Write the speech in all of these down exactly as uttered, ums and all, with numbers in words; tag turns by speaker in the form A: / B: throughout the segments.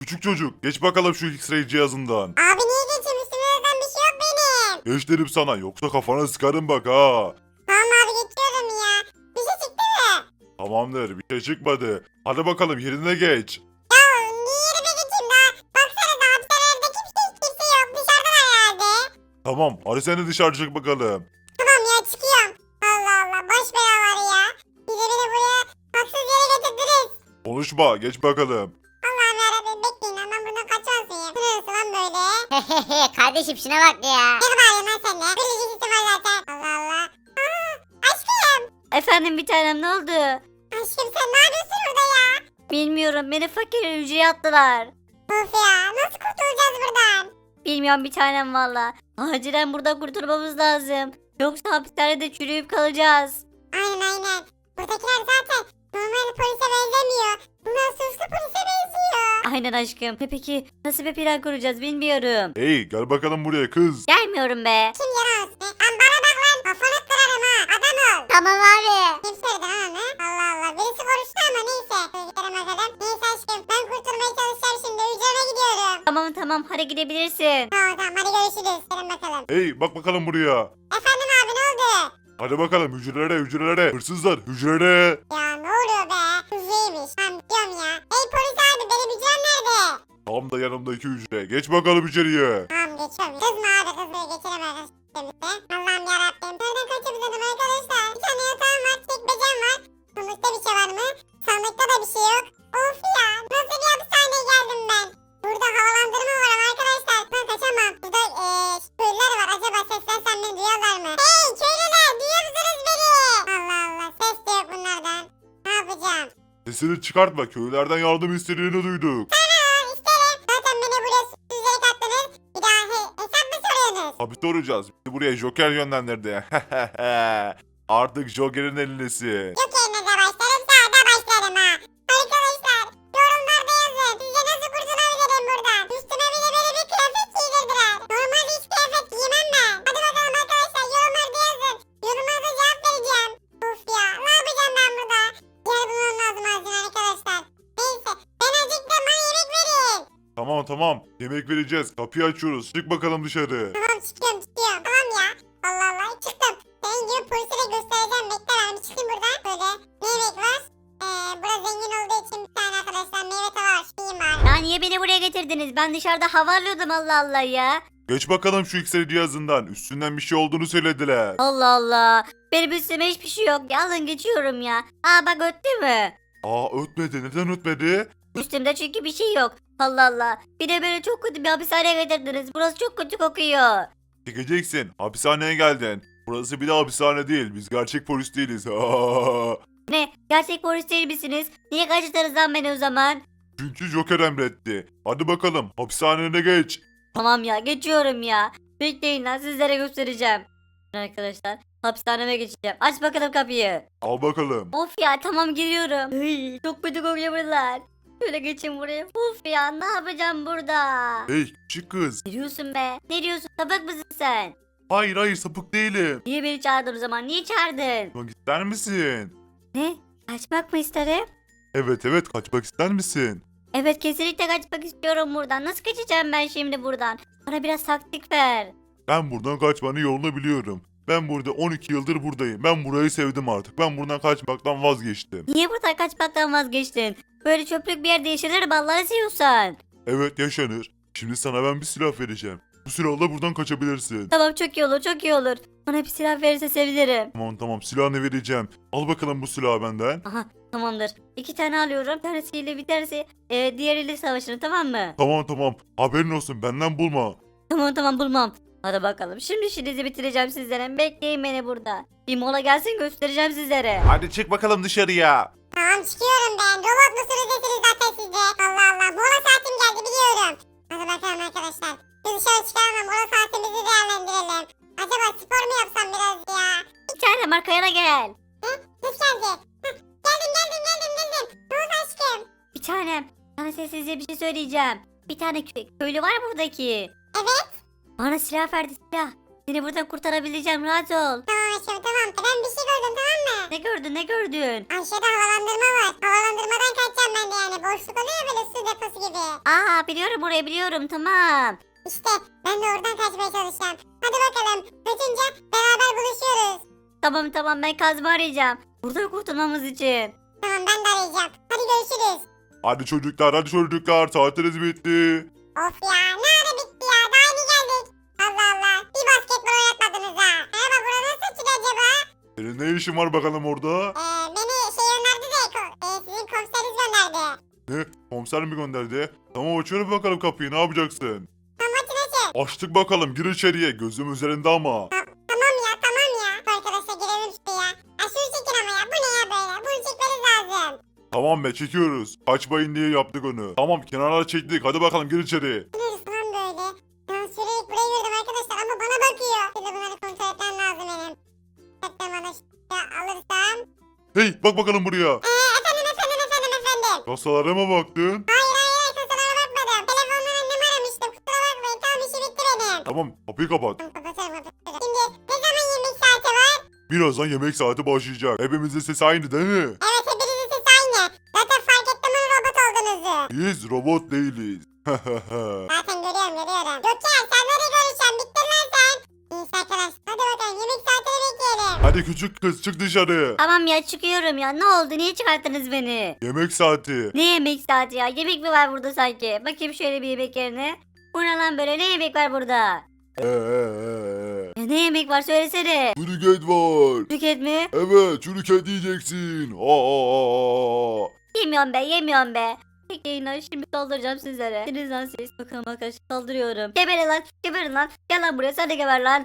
A: küçük çocuk geç bakalım şu X-ray cihazından.
B: Abi niye geçeyim, üstümden bir şey yok benim.
A: Geç dedim sana yoksa kafana sıkarım bak ha.
B: Tamam abi geçiyorum ya. Bir şey çıktı mı?
A: Tamamdır bir şey çıkmadı. Hadi bakalım yerine geç.
B: Ya niye yerime geçeyim daha? Baksana da hapishanelerde kimse kimse yok, dışarıdan herhalde.
A: Tamam hadi sen de dışarı çık bakalım.
B: Tamam ya çıkıyorum. Allah Allah boş belaları ya. Bir de beni buraya haksız yere getirdiniz.
A: Konuşma geç bakalım.
B: Allah'ım yarabbim bekleyin lan, ben buradan kaçamazsın ya. Bu neresi lan böyle?
C: Kardeşim şuna bak ya.
B: Ne bağırıyorsun lan sen de? Bir ilgisi var zaten. Allah Allah. Aa, aşkım.
D: Efendim bir tanem ne oldu?
B: Aşkım sen ne yapıyorsun burada ya?
D: Bilmiyorum beni fakir hücreye attılar.
B: Of ya nasıl kurtulacağız buradan?
D: Bilmiyorum bir tanem valla. Acilen buradan kurtulmamız lazım. Yoksa hapishanede çürüyüp kalacağız.
B: Aynen aynen. Buradakiler zaten normal polise benzemiyor. Bunlar suçlu polise benziyor.
D: Aynen aşkım. Ve peki nasıl bir plan kuracağız bilmiyorum.
A: Hey gel bakalım buraya kız.
D: Gelmiyorum be.
B: Kim yalan olsun? Lan bana bak lan. Kafanı kırarım ha. Adam ol.
C: Tamam abi.
B: Kim söyledi lan onu? Allah Allah. Birisi konuştu ama neyse. Gidelim bakalım. Neyse aşkım. Ben kurtulmaya çalışacağım şimdi. Hücreme gidiyorum.
D: Tamam tamam hadi gidebilirsin.
B: Tamam tamam hadi görüşürüz. Gidelim bakalım.
A: Hey bak bakalım buraya.
B: Efendim abi ne oldu?
A: Hadi bakalım hücrelere hücrelere. Hırsızlar hücrelere.
B: Ya ne oluyor be? Hızlıymış. Tamam gidiyorum ya. Hey polis abi benim hücrem nerede?
A: Tam da yanımdaki hücre. Geç bakalım içeriye.
B: Tamam geçiyorum. Kızma abi kızma geçelim arkadaşlar. Allah'ım yarabbim. Nereden kaçabilirim arkadaşlar? Bir tane yatağım var. Çekmecem var. Sandıkta bir şey var mı? Sandıkta da bir şey yok. Of ya. Nasıl bir hapishaneye geldim ben? Burada havalandırma var ama arkadaşlar. Ben kaçamam. Burada eee köylüler var. Acaba seslensem beni duyarlar mı? Hey köylüler duyuyor musunuz beni? Allah Allah. Ses de yok bunlardan. Ne yapacağım?
A: Sesini çıkartma. Köylerden yardım istediğini duyduk.
B: Tamam isterim. Zaten beni buraya suçsuzları kattınız. Bir daha he hesap mı soruyorsunuz?
A: Tabi soracağız. Bizi buraya Joker yönlendirdi. Artık Joker'in elindesin.
B: Yok yerine de başlarım sağda başlarım ha. Arkadaşlar yorumlarda yazın. Sizce nasıl kurtulabilirim buradan? Üstüme bile böyle bir kıyafet giydirdiler. Normalde hiç kıyafet giymem ben. Hadi bakalım arkadaşlar yorumlarda yazın. Yorumlarda cevap vereceğim. Of ya ne yapacağım ben burada? Yer bulmam lazım acilen arkadaşlar. Neyse ben acıktım bana yemek verin.
A: Tamam tamam. Yemek vereceğiz. Kapıyı açıyoruz. Çık bakalım dışarı.
B: Tamam çıkıyorum çıkıyorum. Tamam ya. Allah Allah çıktım. Senin gibi polise de göstereceğim. Bekle ben bir çıkayım buradan. Böyle ne yemek var? Ee, burası zengin olduğu için bir tane arkadaşlar meyve tava var. Şu yiyeyim bari.
D: Ya niye beni buraya getirdiniz? Ben dışarıda hava alıyordum Allah Allah ya.
A: Geç bakalım şu X-ray cihazından. Üstünden bir şey olduğunu söylediler.
D: Allah Allah. Benim üstüme hiçbir şey yok. Alın geçiyorum ya. Aa bak öttü mü?
A: Aa ötmedi. Neden ötmedi?
D: Üstümde çünkü bir şey yok. Allah Allah. Bir de beni çok kötü bir hapishaneye getirdiniz. Burası çok kötü kokuyor.
A: Çekeceksin. Hapishaneye geldin. Burası bir de hapishane değil. Biz gerçek polis değiliz.
D: Ne? Gerçek polis değil misiniz? Niye kaçtınız lan beni o zaman?
A: Çünkü Joker emretti. Hadi bakalım. Hapishanene geç.
D: Tamam ya geçiyorum ya. Bekleyin lan sizlere göstereceğim. Arkadaşlar hapishaneme geçeceğim. Aç bakalım kapıyı.
A: Al bakalım.
D: Of ya tamam giriyorum. Hıy, çok kötü kokuyor buralar. Şöyle geçin buraya. Of ya ne yapacağım burada?
A: Hey küçük kız.
D: Ne diyorsun be? Ne diyorsun? Sapık mısın sen?
A: Hayır hayır sapık değilim.
D: Niye beni çağırdın o zaman? Niye çağırdın?
A: Kaçmak ister misin?
D: Ne? Kaçmak mı isterim?
A: Evet evet kaçmak ister misin?
D: Evet kesinlikle kaçmak istiyorum buradan. Nasıl kaçacağım ben şimdi buradan? Bana biraz taktik ver.
A: Ben buradan kaçmanın yolunu biliyorum. Ben burada on iki yıldır buradayım. Ben burayı sevdim artık. Ben buradan kaçmaktan vazgeçtim.
D: Niye buradan kaçmaktan vazgeçtin? Böyle çöplük bir yerde yaşanır mı Allah'ını seviyorsan?
A: Evet yaşanır. Şimdi sana ben bir silah vereceğim. Bu silahla buradan kaçabilirsin.
D: Tamam çok iyi olur çok iyi olur. Bana bir silah verirse sevinirim.
A: Tamam tamam silahını vereceğim. Al bakalım bu silahı benden.
D: Aha tamamdır. İki tane alıyorum. Bir tanesiyle bir tanesi e, diğeriyle savaşırım tamam mı?
A: Tamam tamam. Haberin olsun benden bulma.
D: Tamam tamam bulmam. Hadi bakalım. Şimdi işinizi bitireceğim sizlere. Bekleyin beni burada. Bir mola gelsin göstereceğim sizlere.
A: Hadi çık bakalım dışarıya.
B: Tamam çıkıyorum ben. Robot musunuz desiniz zaten sizde. Allah Allah. Mola saatim geldi biliyorum. Hadi bakalım arkadaşlar. Biz dışarı çıkalım da mola saatimizi değerlendirelim. Acaba spor mu yapsam biraz ya?
D: Bir tane arkaya gel.
B: Nasıl geldi? Heh, geldim geldim geldim geldim. Ne oldu aşkım?
D: Bir tanem. Sana sessizce bir şey söyleyeceğim. Bir tane kö- köylü var buradaki.
B: Evet.
D: Bana silah verdi silah. Seni buradan kurtarabileceğim rahat ol.
B: Tamam açıyorum tamam. Ben bir şey gördüm tamam mı?
D: Ne gördün ne gördün?
B: Aşağıda havalandırma var. Havalandırmadan kaçacağım ben de yani. Boşluk oluyor ya böyle su deposu gibi.
D: Aa biliyorum orayı biliyorum tamam.
B: İşte ben de oradan kaçmaya çalışacağım. Hadi bakalım. Kaçınca beraber buluşuyoruz.
D: Tamam tamam ben Kazım'ı arayacağım. Burada kurtulmamız için.
B: Tamam ben de arayacağım. Hadi görüşürüz.
A: Hadi çocuklar hadi çocuklar saatiniz bitti.
B: Of ya ne ara bitti ya. Daha yeni geldik. Allah Allah. Bir basketbol oynatmadınız ha. Merhaba burada nasıl çıkıyor acaba?
A: Senin ne işin var bakalım orada?
B: Ee, beni şey gönderdi de ko- e, sizin komiseriniz gönderdi.
A: Ne? Komiser mi gönderdi? Tamam açıyorum bakalım kapıyı ne yapacaksın?
B: Tamam açın açın.
A: Açtık bakalım gir içeriye gözüm üzerinde ama.
B: Ta- tamam ya tamam ya. Arkadaşlar girelim şuraya. Ya şunu çekin ama ya. Bu ne ya böyle? Bunu çekmeniz lazım.
A: Tamam be çekiyoruz. Kaçmayın diye yaptık onu. Tamam kenara çektik hadi bakalım gir içeri.
B: Neresi lan böyle? Ben sürekli buraya yürüdüm arkadaşlar ama bana bakıyor. Bir de bunları kontrol etmem lazım benim. Hatta bana şuraya alırsam.
A: Hey bak bakalım buraya.
B: Eee efendim efendim efendim efendim.
A: Kasalara mı baktın?
B: Hayır hayır hayır kasalara bakmadım. Telefondan annemi aramıştım. Kusura bakmayın tamam işi bitti benim.
A: Tamam kapıyı kapat.
B: Tamam kapatıyorum kapatıyorum. Şimdi ne zaman yemek saati var?
A: Birazdan yemek saati başlayacak. Hepimizin sesi aynı değil mi?
B: Evet hepinizin sesi aynı. Zaten fark ettim onu robot olduğunuzu.
A: Biz robot değiliz.
B: Zaten görüyorum görüyorum. Gökçe sen nereye görüşeceksin? Bittin lan sen. Neyse arkadaşlar hadi bakalım yemek saatini bekleyelim.
A: Hadi küçük kız çık dışarı.
D: Tamam ya çıkıyorum ya ne oldu niye çıkarttınız beni?
A: Yemek saati.
D: Ne yemek saati ya yemek mi var burada sanki? Bakayım şöyle bir yemek yerine. Bu ne lan böyle ne yemek var burada?
A: Ee, ee, ee.
D: Ya ne yemek var söylesene.
A: Çürük et var.
D: Tüket mi?
A: Evet çürük et yiyeceksin. Aa, aa, aa, aa.
D: Yemiyorum be yemiyorum be. Bekleyin lan şimdi saldıracağım sizlere. Deniz lan siz. Bakalım arkadaşlar saldırıyorum. Geberin lan geberin lan. Gel lan buraya sen de geber lan.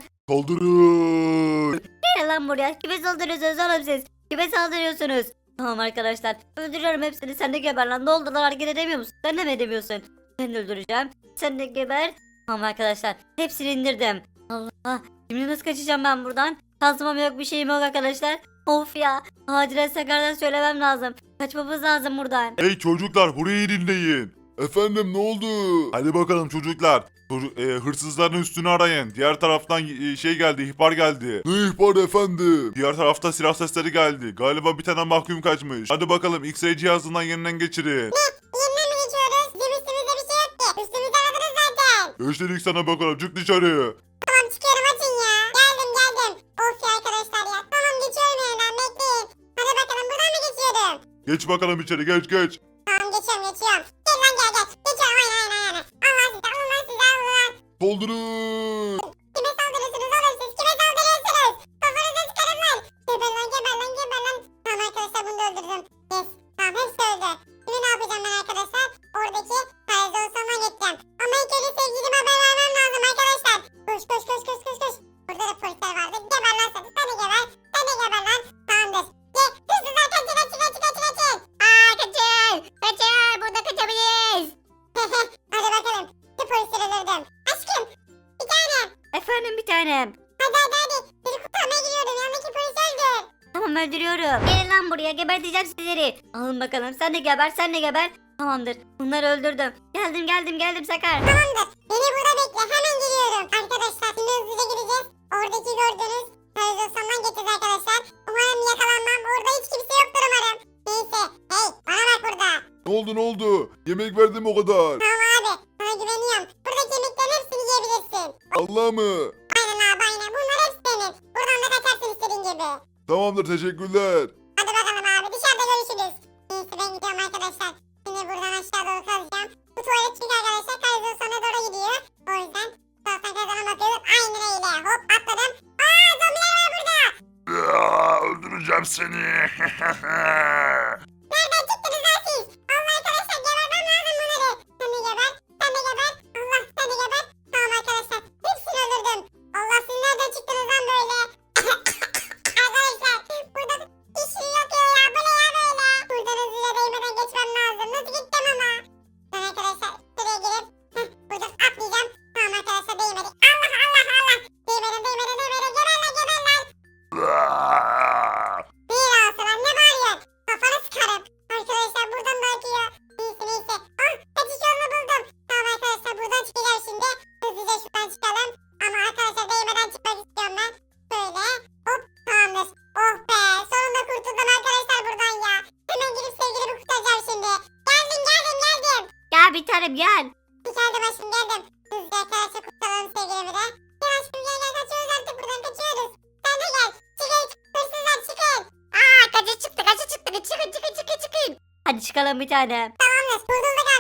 A: Kaldırın.
D: Gel lan buraya. Kime saldırıyorsunuz oğlum siz? Kime saldırıyorsunuz? Tamam arkadaşlar. Öldürüyorum hepsini. Sen de geber lan. Ne oldu lan hareket edemiyor musun? Sen de mi edemiyorsun? Seni de öldüreceğim. Sen de geber. Tamam arkadaşlar. Hepsini indirdim. Allah. Şimdi nasıl kaçacağım ben buradan? Kazmam yok bir şeyim yok arkadaşlar. Of ya. Acilen Sakar'dan söylemem lazım. Kaçmamız lazım buradan.
A: Hey çocuklar burayı dinleyin. Efendim ne oldu? Hadi bakalım çocuklar. Çocuk, e, hırsızların üstünü arayın. Diğer taraftan e, şey geldi, ihbar geldi. Ne ihbar efendim? Diğer tarafta silah sesleri geldi. Galiba bir tane mahkum kaçmış. Hadi bakalım X-ray cihazından yeniden geçirin.
B: Yeniden mi geçiyoruz? Bizim üstümüzde bir şey yok ki. Üstümüzde aradınız zaten.
A: Gösterdik sana bakalım çık dışarı.
B: Tamam çıkıyorum açın ya. Geldim geldim. Of ya arkadaşlar ya. Tamam geçiyorum yeniden bekleyin. Hadi bakalım buradan mı geçiyorum?
A: Geç bakalım içeri geç geç.
B: Tamam geçiyorum geçiyorum. Gel lan gel gel. Geçiyorum aynen aynen aynen. Allah size Allah size Allah.
A: Kaldırın.
B: Kime saldırıyorsunuz oğlum siz? Kime saldırıyorsunuz? Kafanıza çıkarın lan. Geber lan geber lan geber lan. Tamam arkadaşlar bunu da öldürdüm. Yes. Tamam hepsi öldü. Şimdi ne yapacağım ben arkadaşlar? Oradaki televizyona gideceğim. Ama ilk önce sevgilime haber vermem lazım arkadaşlar. Koş koş koş koş koş koş. Burada da polisler vardı. Geber lan sen. Sen de geber. Sen de geber lan. Tamamdır. Ye. Hırsızlar kaçın kaçın kaçın kaçın kaçın.
C: Aa kaçın. Kaçın. Burada kaçabiliriz.
B: Hadi bakalım. Şu polisleri öldürdüm. Aşkım. Bir tane.
D: Efendim bir tanem.
B: Hadi hadi hadi. Seni kurtarmaya gidiyorum. Yanındaki polis öldü.
D: Tamam öldürüyorum. Gelin lan buraya geberteceğim sizleri. Alın bakalım sen de geber sen de geber. Tamamdır bunları öldürdüm. Geldim geldim geldim Sakar.
B: Tamamdır. Beni burada bekle. Hemen geliyorum. Arkadaşlar şimdi hızlıca gideceğiz. Oradaki gördüğünüz televizyondan getirdi arkadaşlar. Umarım yakalanmam. Orada hiç kimse yoktur umarım. Neyse. Hey bana bak burada.
A: Ne oldu ne oldu? Yemek verdim o kadar.
B: Tamam abi. Sana güveniyorum. Buradaki yemeklerin hepsini yiyebilirsin.
A: Allah mı?
B: Aynen abi aynen. Bunlar hepsi senin. Buradan da kaçarsın istediğin gibi.
A: Tamamdır teşekkürler.
B: Hadi bakalım abi. Dışarıda görüşürüz. Neyse ben gidiyorum arkadaşlar. Şimdi buradan aşağı doğru kazacağım. Bu tuvalet çünkü arkadaşlar televizyona doğru gidiyor. O yüzden zaten kazana bakıyoruz. Aynen öyle. Hop atladım. Aa zombiler var burada.
A: Aa, öldüreceğim seni.
B: Nereden çıktınız lan siz? Allah arkadaşlar gebermem lazım bunları. Sen de geber. Sen de geber. Allah sen de geber. Tamam arkadaşlar. Hepsini öldürdüm. Allah siz nereden çıktınız lan böyle? Arkadaşlar burada kişi yok ya. Bu ne ya böyle? Buradan hızlıca değmeden geçmem lazım. Nasıl gideceğim ama? Ben arkadaşlar şuraya girip heh, buradan atlayacağım. Tamam arkadaşlar değmedik. Allah Allah Allah. Değmeden değmeden değmeden geber lan geber lan. Bir olsun lan ne bağırıyorsun? geldim aşkım geldim. Hızlıca arkadaşlar kurtaralım sevgilimi de. Gel aşkım gel gel kaçıyoruz artık buradan kaçıyoruz. Sen de gel. Çıkın hırsızlar çıkın.
C: Aa kaçı çıktı kaçı çıktı çıkın çıkın çıkın çıkın.
D: Hadi çıkalım bir tane.
B: Tamamdır kurtulduk